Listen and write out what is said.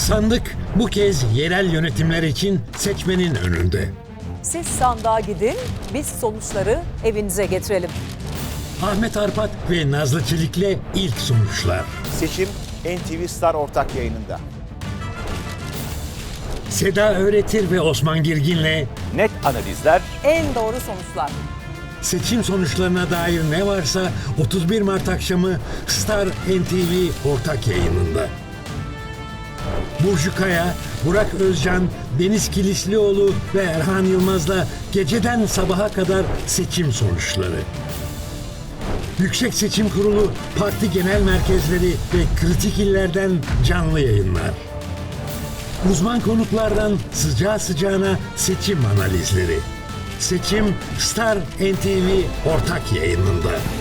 Sandık bu kez yerel yönetimler için seçmenin önünde. Siz sandığa gidin, biz sonuçları evinize getirelim. Ahmet Arpat ve Nazlı Çelik'le ilk sonuçlar. Seçim NTV Star ortak yayınında. Seda Öğretir ve Osman Girgin'le Net analizler, En doğru sonuçlar. seçim sonuçlarına dair ne varsa 31 Mart akşamı Star NTV ortak yayınında. Burcu Kaya, Burak Özcan, Deniz Kilislioğlu ve Erhan Yılmaz'la geceden sabaha kadar seçim sonuçları. Yüksek Seçim Kurulu, parti genel merkezleri ve kritik illerden canlı yayınlar. Uzman konuklardan sıcağı sıcağına seçim analizleri. Seçim Star NTV ortak yayınında.